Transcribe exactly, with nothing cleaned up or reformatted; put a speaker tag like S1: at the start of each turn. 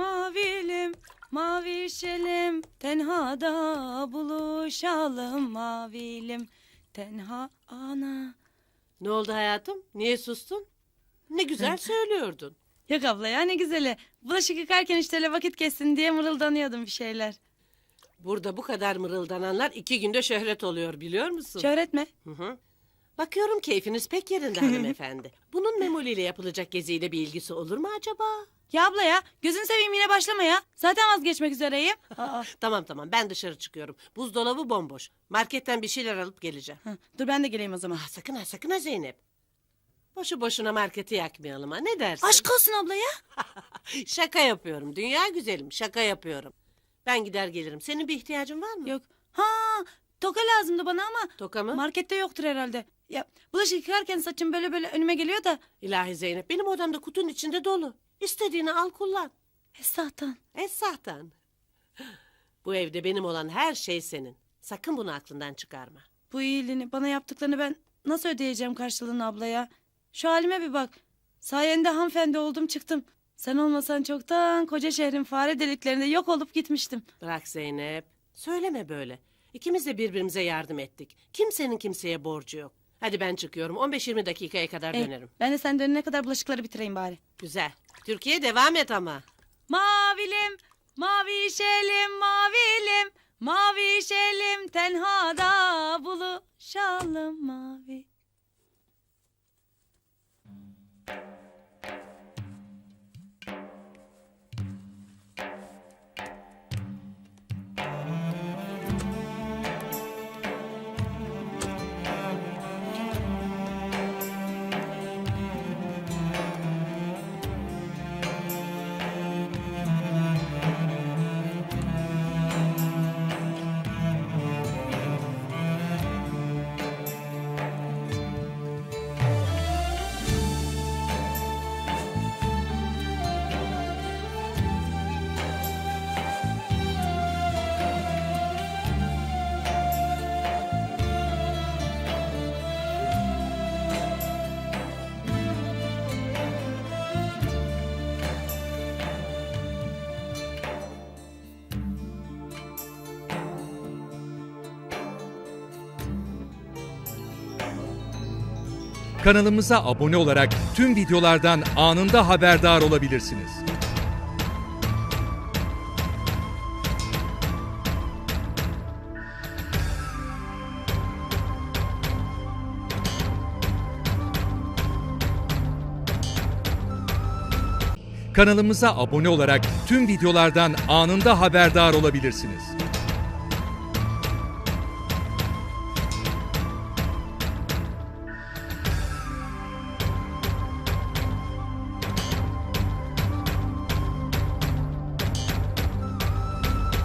S1: Mavilim, mavişelim, tenhada buluşalım. Mavilim, tenha ana.
S2: Ne oldu hayatım? Niye sustun? Ne güzel söylüyordun.
S1: Yok abla ya, ne güzeli. Bulaşık yıkarken işte öyle vakit geçsin diye mırıldanıyordum bir şeyler.
S2: Burada bu kadar mırıldananlar iki günde şöhret oluyor biliyor musun?
S1: Şöhret mi?
S2: Hı hı. Bakıyorum keyfiniz pek yerinde hanımefendi. Bunun Memoli ile yapılacak geziyle bir ilgisi olur mu acaba?
S1: Ya abla ya, gözünü seveyim yine başlama ya. Zaten vazgeçmek üzereyim. Aa.
S2: Tamam tamam ben dışarı çıkıyorum. Buzdolabı bomboş. Marketten bir şeyler alıp geleceğim.
S1: Hı, dur ben de geleyim o zaman.
S2: Ah, sakın ha sakın ha Zeynep. Boşu boşuna marketi yakmayalım ha, ne dersin?
S1: Aşk olsun abla ya.
S2: Şaka yapıyorum dünya güzelim, şaka yapıyorum. Ben gider gelirim. Senin bir ihtiyacın var mı?
S1: Yok. Ha, toka lazımdı bana ama
S2: Toka mı?
S1: markette yoktur herhalde. Ya bulaşık yıkarken saçım böyle böyle önüme geliyor da.
S2: İlahi Zeynep, benim odamda kutunun içinde dolu. İstediğini al kullan.
S1: Esahtan.
S2: Esahtan. Bu evde benim olan her şey senin. Sakın bunu aklından çıkarma.
S1: Bu iyiliğini, bana yaptıklarını ben nasıl ödeyeceğim karşılığını abla ya? Şu halime bir bak. Sayende hanımefendi oldum çıktım. Sen olmasan çoktan koca şehrin fare deliklerinde yok olup gitmiştim.
S2: Bırak Zeynep. Söyleme böyle. İkimiz de birbirimize yardım ettik. Kimsenin kimseye borcu yok. Hadi ben çıkıyorum. on beş yirmi dakikaya kadar
S1: Eh,
S2: dönerim.
S1: ben de sen dönene kadar bulaşıkları bitireyim bari.
S2: Güzel. Türkiye devam et ama.
S1: Mavilim, mavişelim, mavilim, mavişelim, tenhada buluşalım mavi.
S3: Kanalımıza abone olarak tüm videolardan anında haberdar olabilirsiniz. Kanalımıza abone olarak tüm videolardan anında haberdar olabilirsiniz.